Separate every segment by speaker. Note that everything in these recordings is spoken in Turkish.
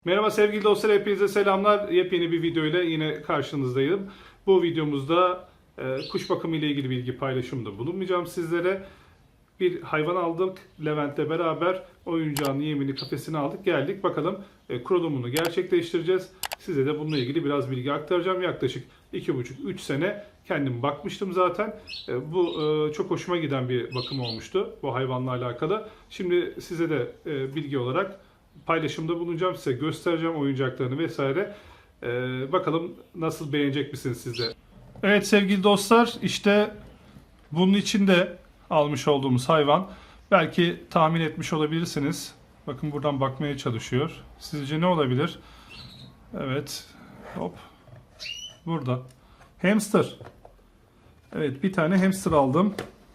Speaker 1: Merhaba sevgili dostlar, hepinize selamlar. Yepyeni bir video ile yine karşınızdayım. Bu videomuzda kuş bakımı ile ilgili bilgi paylaşımında bulunmayacağım sizlere. Bir hayvan aldık. Levent'le beraber oyuncağın yemini, kafesini aldık. Geldik. Bakalım kurulumunu gerçekleştireceğiz. Size de bununla ilgili biraz bilgi aktaracağım. Yaklaşık 2,5-3 sene kendim bakmıştım zaten. Bu çok hoşuma giden bir bakım olmuştu bu hayvanla alakalı. Şimdi size de bilgi olarak paylaşımda bulunacağım, size göstereceğim oyuncaklarını vesaire. Bakalım nasıl, beğenecek misiniz siz de? Evet sevgili dostlar, işte bunun içinde almış olduğumuz hayvan. Belki tahmin etmiş olabilirsiniz. Bakın buradan bakmaya çalışıyor. Sizce ne olabilir? Evet. Hop. Burada. Hamster. Evet, bir tane hamster aldım.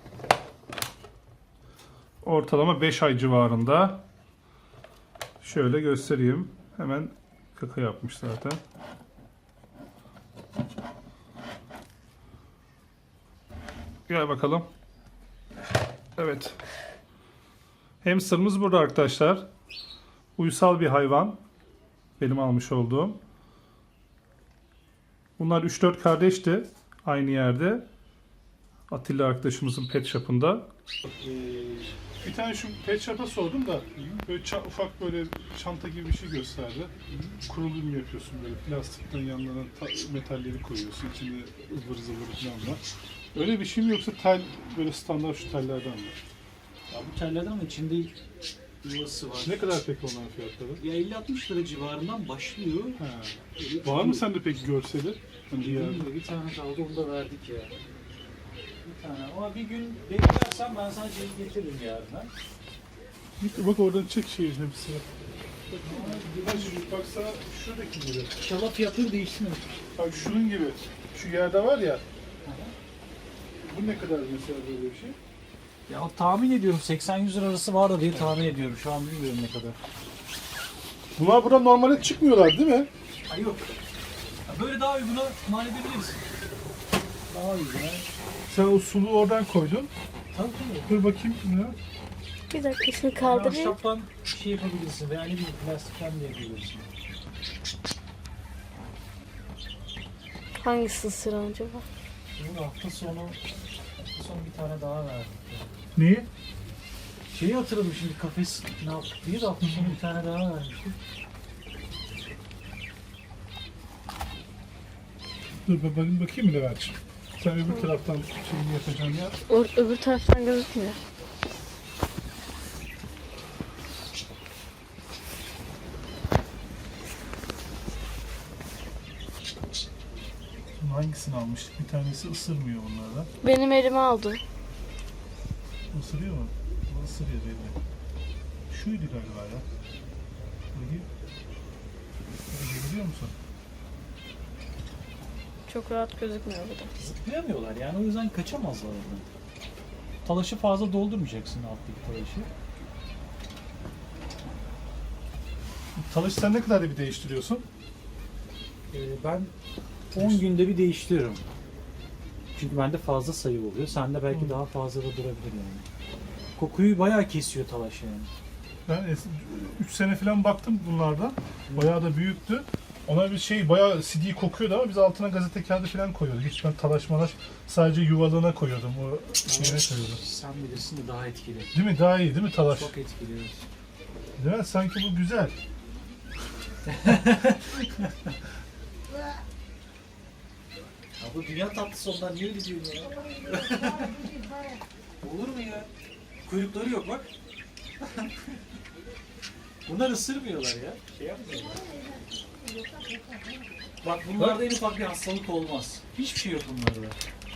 Speaker 1: Ortalama 5 ay civarında. Şöyle göstereyim. Hemen kaka yapmış zaten. Gel bakalım. Evet. Hamsterımız burada arkadaşlar. Uysal bir hayvan. Benim almış olduğum. Bunlar 3-4 kardeşti. Aynı yerde. Atilla arkadaşımızın pet shop'ında. Bir tane şu pet shop'a sordum da böyle ufak böyle çanta gibi bir şey gösterdi. Kurulum yapıyorsun, böyle plastikten yanlarına metalleri koyuyorsun. İçinde ıvır zıvır falan var. Öyle bir şey mi, yoksa tel, böyle standart şu tellerden mi?
Speaker 2: Ya bu tellerden ama içinde yuvası var.
Speaker 1: Ne kadar peki onların fiyatları?
Speaker 2: Ya 50-60 lira civarından başlıyor.
Speaker 1: He. Var mı sende peki görseli? Hani
Speaker 2: Bir tane kaldı, onu da verdik ya. Bir tane, ama bir gün beklersen ben sana şey getiririm yarına.
Speaker 1: bak oradan çek şeyin hepsi. Baksana şuradaki gibi.
Speaker 2: İnşallah fiyatları değişmiyor.
Speaker 1: Bak şunun gibi. Şu yerde var ya. Bu ne kadar mesela böyle bir şey?
Speaker 2: Ya tahmin ediyorum 80-100 lira arası vardı diye tahmin ediyorum. Şu an bilmiyorum ne kadar.
Speaker 1: Bunlar buradan normalde çıkmıyorlar değil mi?
Speaker 2: Ay yok. Ya böyle daha uyguna mal edebiliriz. Daha uyguna.
Speaker 1: Sen o suluğu oradan koydun.
Speaker 2: Tabii tabii.
Speaker 1: Dur bakayım ne?
Speaker 3: Bir dakika şunu
Speaker 2: Yani
Speaker 3: kaldırayım.
Speaker 2: ahşaptan şey yapabilirsin veya ne bileyim plastikten de yapabilirsin.
Speaker 3: Hangisi sıra acaba?
Speaker 2: Bunu hafta sonu bir tane daha verdik.
Speaker 1: Neyi?
Speaker 2: Şeyi hatırladım şimdi, kafes ne yaptık diye de hafta sonu bir tane daha vermiştik.
Speaker 1: Dur bakayım mı Levent'ciğim? Sen öbür taraftan şeyini yapacaksın ya.
Speaker 3: Öbür taraftan gözükmüyor.
Speaker 1: Hangisini almıştık? Bir tanesi ısırmıyor bunlardan.
Speaker 3: Benim elime aldı.
Speaker 1: Isırıyor mu? Bu ısırıyor belli. Şuydu galiba ya. Bakayım. Görüyor musun?
Speaker 3: Çok rahat gözükmüyor bu da.
Speaker 2: Zıplayamıyorlar yani, o yüzden kaçamazlar oradan. Talaşı fazla doldurmayacaksın, alttaki talaşı.
Speaker 1: Talaşı sen ne kadar bir değiştiriyorsun?
Speaker 2: Ben 10 günde bir değiştiriyorum. Çünkü bende fazla sayı oluyor. Sende belki daha fazla da durabilir yani. Kokuyu bayağı kesiyor talaş yani.
Speaker 1: Ben 3 sene falan baktım bunlardan. Bayağı da büyüktü. Ona bir şey bayağı CD kokuyordu ama biz altına gazete kağıdı falan koyuyorduk. Hiç ben talaş sadece yuvalığına koyuyordum. O şeyine koyuyordum.
Speaker 2: Sen bilirsin de daha etkili.
Speaker 1: Değil mi? Daha iyi değil mi talaş?
Speaker 2: Çok etkili.
Speaker 1: Değil mi? Sanki bu güzel.
Speaker 2: Ya bu dünya tatlısı ondan niye öyle diyorsun ya? Olur mu ya? Kuyrukları yok bak. Bunlar ısırmıyorlar ya. Şey yapmıyorlar. Bak bunlarda en ufak bir hastalık olmaz. Hiçbir şey yok bunlarda.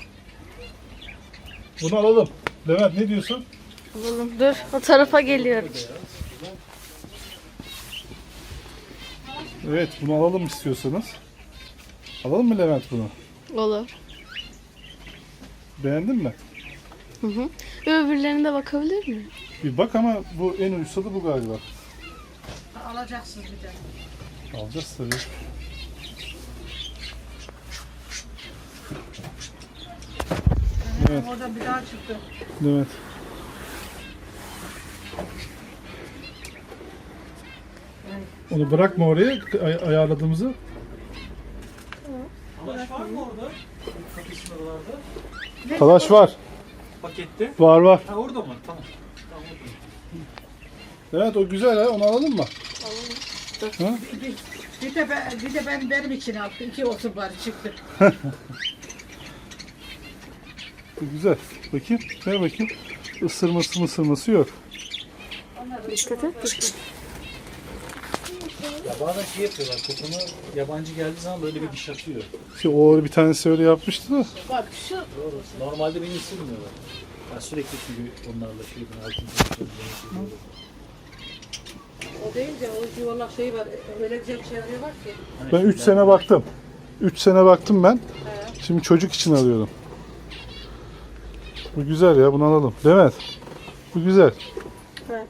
Speaker 1: Bunu alalım. Levent ne diyorsun?
Speaker 3: Alalım. Dur, o tarafa geliyorum.
Speaker 1: Evet, bunu alalım istiyorsanız. Alalım mı Levent bunu?
Speaker 3: Olur.
Speaker 1: Beğendin mi?
Speaker 3: Hı hı. Öbürlerine de bakabilir miyim?
Speaker 1: Bir bak ama bu en uysalı bu galiba.
Speaker 4: Alacaksınız bir de.
Speaker 1: Alacağız tabii. Evet.
Speaker 4: Oradan bir daha çıktı.
Speaker 1: Evet. Onu bırakma oraya ayarladığımızı.
Speaker 2: Talaş var mı orada? Kafesin oralarda.
Speaker 1: Talaş var.
Speaker 2: Pakette.
Speaker 1: Var.
Speaker 2: Ha orada mı? Tamam. Tamam orada.
Speaker 1: Evet o güzel ha. Onu alalım mı?
Speaker 4: Bir de benim için aldım. 2 olsun bari çıktı.
Speaker 1: Bu güzel. Bakayım. Ver bakayım. Isırması yok.
Speaker 3: Dikkat et.
Speaker 2: Ya bazen şey yapıyorlar. Kokunu yabancı geldiği zaman böyle bir diş atıyor.
Speaker 1: İşte o bir tanesi öyle yapmıştı da.
Speaker 4: Bak şu
Speaker 2: Doğru. Normalde beni ısırmıyorlar. Ben sürekli çünkü onlarla şey yapıyorum.
Speaker 4: o değil de o yuvarlak şey var. Öyle güzel bir şey arıyorlar ki.
Speaker 1: Ben 3 sene baktım. 3 sene baktım ben. Şimdi çocuk için alıyorum. Bu güzel ya. Bunu alalım. Demet. Bu güzel.
Speaker 3: Evet.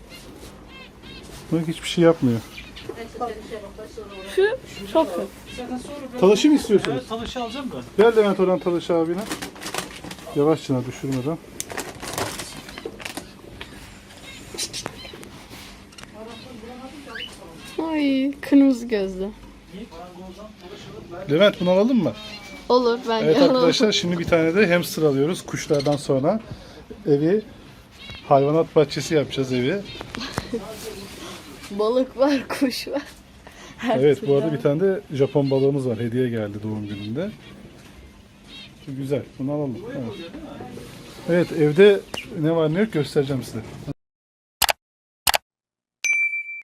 Speaker 1: Bak hiçbir şey yapmıyor.
Speaker 3: Şu çok kötü.
Speaker 2: Zaten sonra böyle...
Speaker 1: Talaşı mı istiyorsunuz?
Speaker 2: Evet talaşı alacağım da.
Speaker 1: Gel Levent oradan Talaş abine. Yavaşça düşürmeden.
Speaker 3: Ay kırmızı gözlü.
Speaker 1: Levent bunu alalım mı?
Speaker 3: Olur bence
Speaker 1: Evet
Speaker 3: alalım.
Speaker 1: arkadaşlar şimdi bir tane de hamster alıyoruz. Kuşlardan sonra evi hayvanat bahçesi yapacağız evi.
Speaker 3: Balık var, kuş var. Her
Speaker 1: Evet
Speaker 3: türlü
Speaker 1: bu arada
Speaker 3: var.
Speaker 1: bir tane de Japon balığımız var. Hediye geldi doğum gününde. Güzel. Bunu alalım. Evet evde ne var ne yok göstereceğim size.